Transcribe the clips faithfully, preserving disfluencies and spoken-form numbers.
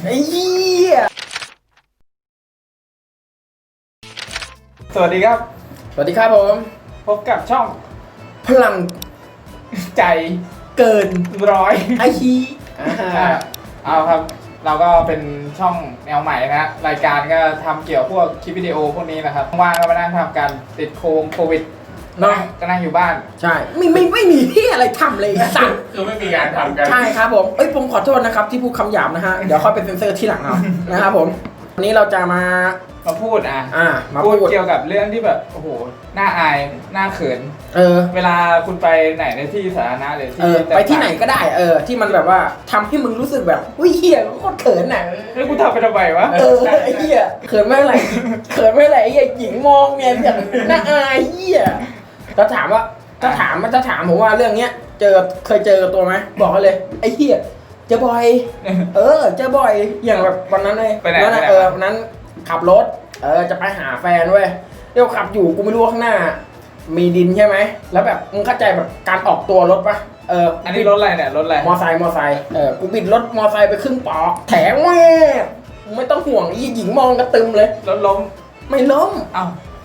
ไอ้เหี้ยสวัสดีครับสวัสดีครับผมพบกับช่องพลังใจเกินร้อยไอชีเอาครับเราก็เป็นช่องแนวใหม่นะรายการก็ทำเกี่ยวพวกคลิปวิดีโอพวกนี้นะครับว่างก็มานั่งทำกันติดโควิดเนาะก็นั่งอยู่บ้านใช่ไม่ไม่ไม่มีที่อะไรทำเลยสั่งคือไม่มีงานทำกันใช่ครับผมเอ้ยผมขอโทษนะครับที่พูดคำหยาบนะฮะเดี๋ยวค่อยเป็นเซนเซอร์ที่หลังเอานะครับผมวันนี้เราจะมามาพูดอ่ะอ่ามาพูดเกี่ยวกับเรื่องที่แบบโอ้โหน่าอายน่าเขินเออเวลาคุณไปไหนในที่สาธารณะหรือที่ไปที่ไหนก็ได้เออที่มันแบบว่าทำให้มึงรู้สึกแบบอุ้ยเหี้ยโคตรเขินน่ะแล้วกูทำไปทำไมวะเออไอ้เหี้ยเขินไม่ไหลเขินไม่ไหลไอ้หญิงมองเนี่ยอย่างน่าอายเหี้ยถ้าถามว่าถ้าถามมันจะถามผมว่าเรื่องเนี้ยเจอเคยเจอตัวไหมบอกเขาเลยไอ้เหี้ยเจอบ่อยเออเจอบ่อยอย่างแบบวันนั้นเลยวันนั้นเออวันนั้นขับรถเออจะไปหาแฟนเว้ยเดี๋ยวขับอยู่กูไม่รู้ว่าข้างหน้ามีดินใช่ไหมแล้วแบบมึงเข้าใจแบบการออกตัวรถปะเอออันนี้รถอะไรเนี่ยรถอะไรมอไซค์มอไซค์เออกูบิดรถมอไซค์ไปครึ่งปอกแถมแม่ไม่ต้องห่วงอีหญิงมองกระตึมเลยรถล้มไม่ล้มเอ้า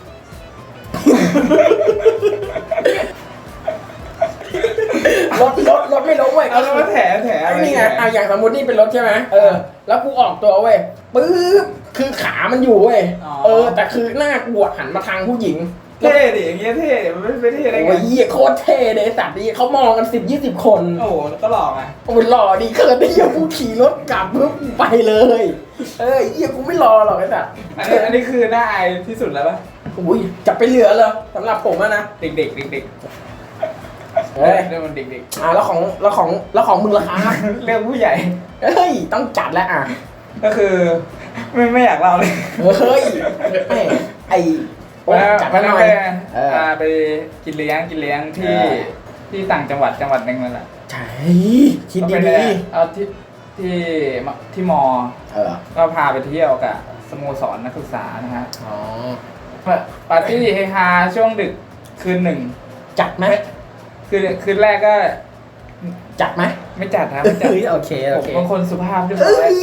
รถรถรถไม่ล้มเว้ยเอาแล้วมาแถแถนี่ไงเอาอย่างสมมตินี่เป็นรถใช่ไหมเออแล้วกูออกตัวเว้ยปึ๊บคือขามันอยู่เว้ยเออแต่คือหน้ากูหันมาทางผู้หญิงเท่ดิอย่างเงี้ยเท่มันไม่เท่ได้ไงโอ้ยเหี้ยโคตรเท่เลยสัตว์ดิเขามองกันสิบยี่สิบคนโอ้โหก็หล่อไงโอ้ยหล่อดีเกินไอ้เหี้ยกูขี่รถกลับปุ๊บไปเลยเออเหี้ยกูไม่รอหรอกไอ้สัตว์อันนี้อันนี้คือหน้าอายที่สุดแล้วปะอุ้ยจะไปเหลือเลยสำหรับผมอะนะเด็กเด็กเด็กเด็กเฮ้ยเรื่องมันเด็กๆอ่าแล้วของแล้วของแล้วของมึงล่ะครับเรื่องผู้ใหญ่เฮ้ยต้องจัดแล้วอ่ะก็คือไม่ไม่อยากเล่าเลยเฮ้ยไอ้จัดไปหน่อยไปกินเลี้ยงกินเลี้ยงที่ที่ต่างจังหวัดจังหวัดหนึ่งนั่นแหละใช่คิดดีๆเอาที่ที่ที่มอก็พาไปเที่ยวกับสโมสรนักศึกษานะฮะอ๋อปาร์ตี้เฮฮาช่วงดึกคืนหนึ่งจัดไหมคืนคืนแรกก็จัดไหมไม่จัดครับไม่จัดโอเคโอเคบางคนสุภาพด้วย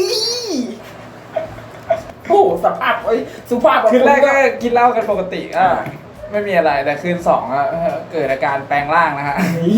โอ้สภาพไอ้สุภาพคืนแรกก็กินเหล้ากันปกติอ่ะไม่มีอะไรแต่คืนสองอ่ะเกิดอาการแปลงร่างนะฮะ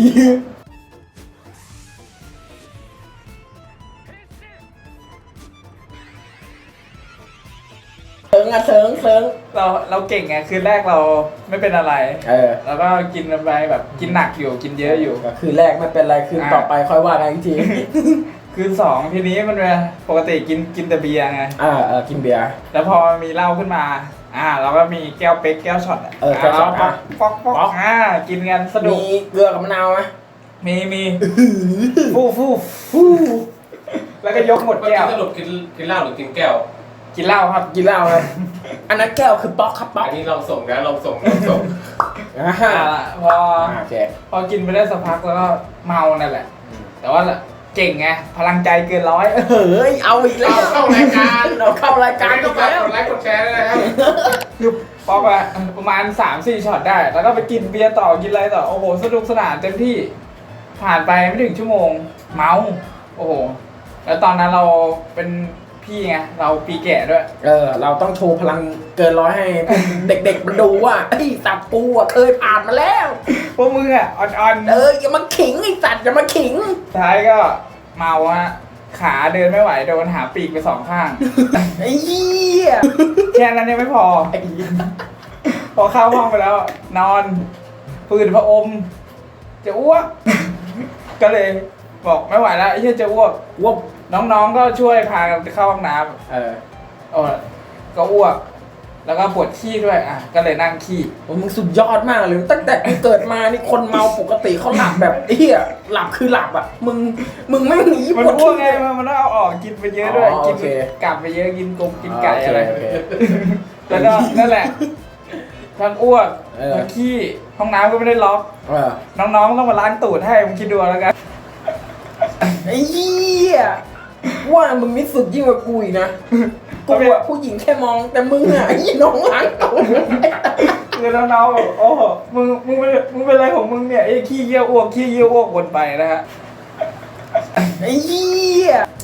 เซิงอะเซิงเซิงเราเราเก่งไงคืนแรกเราไม่เป็นอะไรเออแล้วก็กินไปแบบกินหนักอยู่กินเยอะอยู่คืนแรกไม่เป็นไรคืนต่อไปค่อยว่ากันอีกทีคืนสองทีนี้มันปกติกินกินแต่เบียร์ไงอ่าเออกินเบียร์แล้วพอมีเหล้าขึ้นมาอ่าเราก็มีแก้วเป๊กแก้วช็อตเออแก้วช็อตป๊อกป๊อกป๊อกอ่ากินกันสนุกมีเกลือกับมะนาวไหมมีมีฟู่ฟู่ฟู่แล้วก็ยกหมดแก้วสรุปกินกินเหล้าหรือกินแก้วกินเหล้าครับกินเหล้าครับอันนั้นแก้วคือป๊อกครับป๊อกอันนี้ลองส่งนะลองส่งลองส่งอ่าพอพอกินไปได้สักพักแล้วก็เมานั่นแหละแต่ว่าเก่งไงพลังใจเกินร้อยเฮ้ยเอาอีกแล้วเข้ารายการเราเข้ารายการก็ฝากกดไลค์กดแชร์ด้วยนะครับคือป๊อกอะประมาณ สามสี่ ช็อตได้แล้วก็ไปกินเบียร์ต่อกินอะไรต่อโอ้โหสนุกสนานเต็มที่ผ่านไปไม่ถึงชั่วโมงเมาโอ้โหแล้วตอนนั้นเราเป็นพี่ไงเราปีแก่ด้วยเออเราต้องโชว์พลังเกินร้อยให้เด็กๆมันดูว่าไอ้สัตว์ปูอ่ะเคยผ่านมาแล้วพวกมึงอ่ะอ่อนๆเอออย่ามาขิงไอ้สัตว์อย่ามาขิงท้ายก็เมาฮะขาเดินไม่ไหวโดนหาปีกไปสองข้างไอ้เหี้ยแค่นั้นยังไม่พอพอเข้าห้องไปแล้วนอนปืนพระอมจะอ้วกก็เลยบอกไม่ไหวแล้วไอ้เหี้ยจะอ้วกอ้วกน้องๆก็ช่วยพากันเข้าห้องน้ำเออโอ้ก็อ้วกแล้วก็ปวดขี้ด้วยอ่ะก็เลยนั่งขี้โอ้มึงสุดยอดมากเลยตั้งแต่กูเกิดมานี่คนเมาปกติเขาหลับแบบเฮียหลับคือหลับอ่ะมึงมึงไม่หนีมันอ้วกไงมันต้องเอาออกกินไปเยอะด้วยกินกลับไปเยอะกินกบกินไก่อะไรแล้วก็นั่นแหละทั้งอ้วกทั้งขี้ห้องน้ำก็ไม่ได้ล็อกน้องๆต้องมาล้างตูดให้มึงคิดดูแล้วกันไอ้เหี้ยว่ามึงนี่สุดยิ่งกว่ากูอีกนะกูอ่ะผู้หญิงแค่มองแต่มึงอ่ะไอ้น้องล้างตูดคือน้องๆแบบโอ้มึงมึงเป็นมึงเป็นอะไรของมึงเนี่ยไอ้ขี้เยี่ยวอ้วกขี้เยี่ยวอ้วกวนไปนะฮะไอ้เหี้ย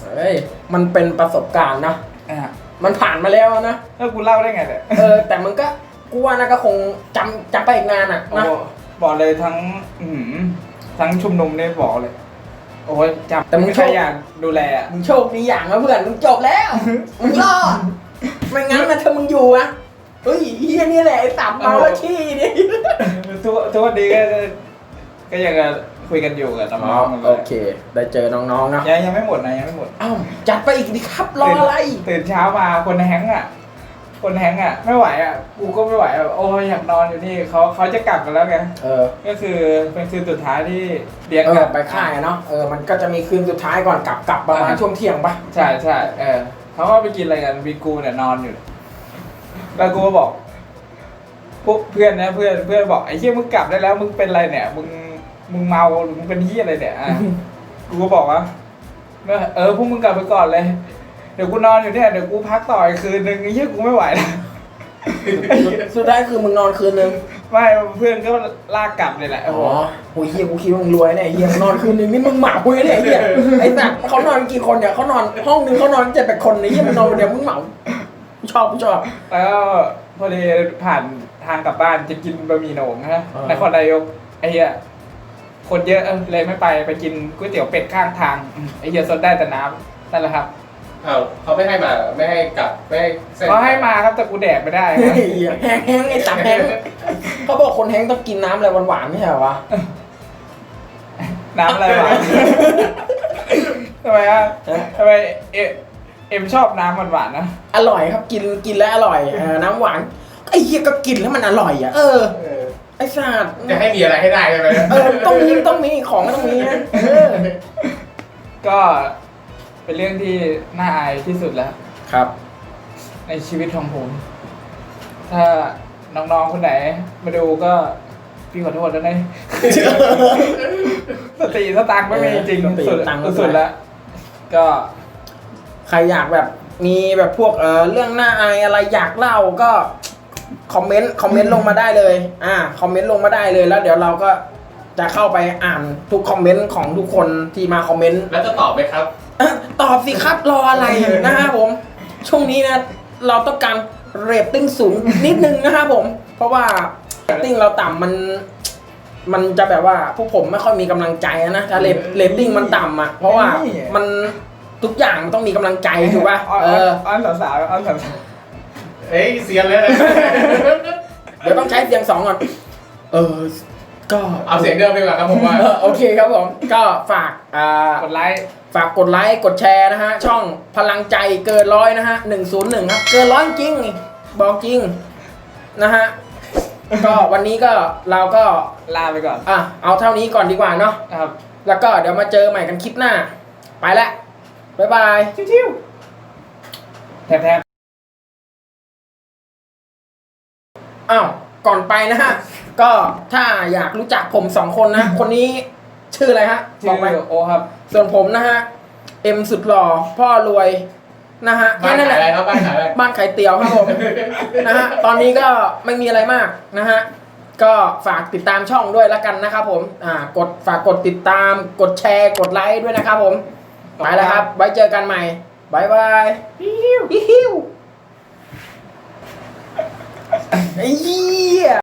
เฮ้ยมันเป็นประสบการณ์นะอ่ะมันผ่านมาแล้วนะแล้วกูเล่าได้ไงเนี่ยเออแต่มันก็กูว่านะก็คงจำจำไปอีกนานอ่ะโอ้นะบอกเลยทั้งอืมทั้งชุมนุมเนี่ยบอกเลย โอ้ยจำแต่มึงไม่โชใช่คอยากดูแลอะมึงโชคดีอย่างนะเพื่อนมึงจบแล้ว มึงรอดไม่งั้นนะถ้ามึงอยู่อะเฮ้ยเฮียนี่แหละไอ้ตับเมาแล้วขี้นี่ทุกทุกวันนี้ก็ก็ยังคุยกันอยู่กับน้องๆกันเลโอย เค ได้เจอน้องๆนะยังยังไม่หมดนะยังไม่หมดอ้าวจัดไปอีกดิครับรออะไรตื่นเช้ามาคนแฮงก์อ่ะ คนแฮงก์อ่ะ ไม่ไหวอ่ะกูก็ไม่ไหวอ่ะโอ้ยอยากนอนอยู่นี่เขาเขาจะกลับกันแล้วไงเออก็คือเป็นคืนสุดท้ายที่เลี้ยงเอกัอน ไปค่ายอะเนาะเออมันก็จะมีคืนสุดท้ายก่อนกลับกลับประมาณช่วงเที่ยงปะใช่ใช่เออเขาก็ไปกินอะไรกันวีกูเนี่ยนอนอยู่ แล้วกูก็บอกพวกเพื่อนนะเพื่อนเพื่อนบอกไอ้เหี้ยมึงกลับได้แล้วมึงเป็นอะไรเนี่ยมึงมึงเมาหรือมึงเป็นเหี้ยอะไรเนี่ยอ่ะ กูก็บอกว่าเออพวกมึงกลับไปก่อนเลยเดี๋ยวกูนอนอยู่เนี่ยเดี๋ยวกูพักต่ออีกคืนนึงไอ้เหี้ยกูไม่ไหวแล้วสุดท้ายคือมึงนอนคืนนึงไม่เพื่อนก็ลากกลับเลยแหละอ๋โอ้โหอโหเฮียกูคิดว่ามึงรวยเนี่ยเฮียมึงนอนคืนนึงนี่มึงเหมาคุยเนี่ยเฮียไอ้สัตว์เขานอนกี่คนเนี่ยเขานอนห้องนึงเขานอนเจ็ดแปดคนเนี่ยเฮียมึงนอนคนเดียวมึงเหมากูชอบกูชอบแล้วก็พอดีผ่านทางกลับบ้านจะกินบะหมี่โหน่งนะอ่านครนายกไอ้เหี้ยคนเยอะเออเลยไม่ไปไปกินก๋วยเตี๋ยวเป็ดข้างทางอืมไอ้เหี้ยซดได้แต่น้ำนั่นแหละครับอ้าวเขาไม่ให้มาไม่ให้กลับไม่ให้เส้นเขาให้มาครับแต่กูแดกไม่ได้เฮ้นะยแห้งแห้งไอ้ตับแห้งเขาบอกคนแห้งต้องกินน้ำอะไรหวานๆไม่ใช่เหรอวะน้ำอะไรวะ ทำไมอ่ะทำไมเอเอ็มชอบน้ำหวานๆนะอร่อยครับกินกินแล้วอร่อยเออน้ำหวานไอ้เฮียก็กินแล้วมันอร่อยอ่ะเออเออไอ้สัตว์จะให้มีอะไรให้ได้ใช่ไหมเออต้องมีต้องมีของก็ต้องมีนะเออก็เป็นเรื่องที่น่าอายที่สุดแล้วครับในชีวิตของผม ถ้าน้องๆคนไหนมาดูก็พี่ขอโทษแล้วนะ สติสตังค์ไม่มีจริงสติสุดสตังค์ไม่มีสุดแล้ว ก็ใครอยากแบบมีแบบพวกเออเรื่องน่าอายอะไรอยากเล่าก็คอมเมนต์คอมเมนต์ลงมาได้เลยอ่าคอมเมนต์ลงมาได้เลยแล้วเดี๋ยวเราก็จะเข้าไปอ่านทุกคอมเมนต์ของทุกคนที่มาคอมเมนต์แล้วจะตอบไหมครับอ่ะตอบสิครับรออะไรนะครับผม ช่วงนี้นะเราต้องการเรตติ้งสูงนิดนึงนะครับผม เพราะว่าเรตติ้งเราต่ำมัน มันจะแบบว่าพวกผมไม่ค่อยมีกำลังใจนะถ้าเรตเรตติ้งมันต่ำอ่ะเพราะว่ามันทุกอย่างมันต้องมีกำลังใจถูกป่ะอ้อนเอออ้อนสาวๆอ้อนสาวเอ้ยเสียนเลยนะเดี๋ยวต้องใช้เสียงสองก่อน เออ ก็เอาเสียงเดิมดีกว่าครับผมว่าเออโอเคครับผม ก็ฝากอ่าๆกดไลค์ฝากกดไลค์กดแชร์นะฮะ ช่องพลังใจเกินร้อยนะฮะหนึ่งศูนย์หนึ่งครับ เกินร้อยจริง บอกจริง นะฮะ ก็วันนี้ก็เราก็ลาไปก่อนอ่ะเอาเท่านี้ก่อนดีกว่าเนาะนะครับแล้วก็เดี๋ยวมาเจอใหม่กันคลิปหน้า ไปแล้วบ๊ายบายชิวๆแทบอ้าว ก่อนไปนะฮะ ก็ถ้าอยากรู้จักผมสองคนนะ คนนี้ชื่ออะไรฮะๆบชื่อกไปอโอครับส่วนผมนะฮะ เอ็มสุดหล่อ พ่อรวยนะฮะบ้านแค่นั้นขายแหอะไรละครับบ้านขายอะไรบ้านไข่เตี๋ยวครับผม นะฮะ ตอนนี้ก็ไม่มีอะไรมากนะฮะ ก็ฝากติดตามช่องด้วยแล้วกันนะครับผม อ่า กดฝากกดติดตาม กดแชร์ กดไลค์ด้วยนะครับผม ไปแล้วครับ ไว้เจอกันใหม่บายบายฮิวฮิวไอ้เหี้ย